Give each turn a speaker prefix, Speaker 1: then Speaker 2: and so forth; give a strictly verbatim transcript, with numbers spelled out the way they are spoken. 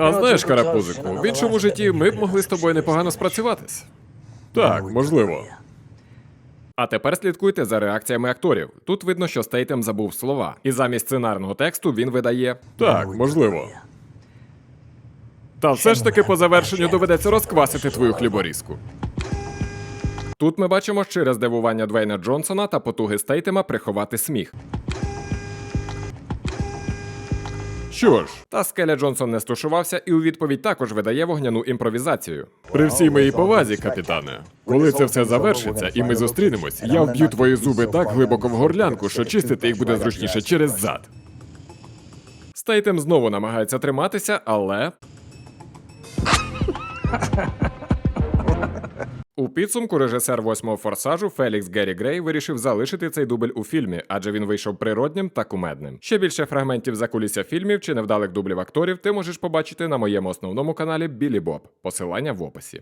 Speaker 1: А знаєш, Карапузику, в іншому житті ми б могли з тобою непогано спрацюватись. Так, можливо. А тепер слідкуйте за реакціями акторів. Тут видно, що Стейтем забув слова. І замість сценарного тексту він видає «Так, можливо». Та все ж таки по завершенню доведеться розквасити твою хліборізку. Тут ми бачимо щире здивування Двейна Джонсона та потуги Стейтема приховати сміх. Що ж, та Скеля Джонсон не стушувався і у відповідь також видає вогняну імпровізацію. При всій моїй повазі, капітане, коли це все завершиться і ми зустрінемось, я вб'ю твої зуби так глибоко в горлянку, що чистити їх буде зручніше через зад. Стейтем знову намагається триматися, але... У підсумку режисер восьмого форсажу Фелікс Геррі Грей вирішив залишити цей дубль у фільмі, адже він вийшов природнім та кумедним. Ще більше фрагментів закулісся фільмів чи невдалих дублів акторів ти можеш побачити на моєму основному каналі Білі Боб. Посилання в описі.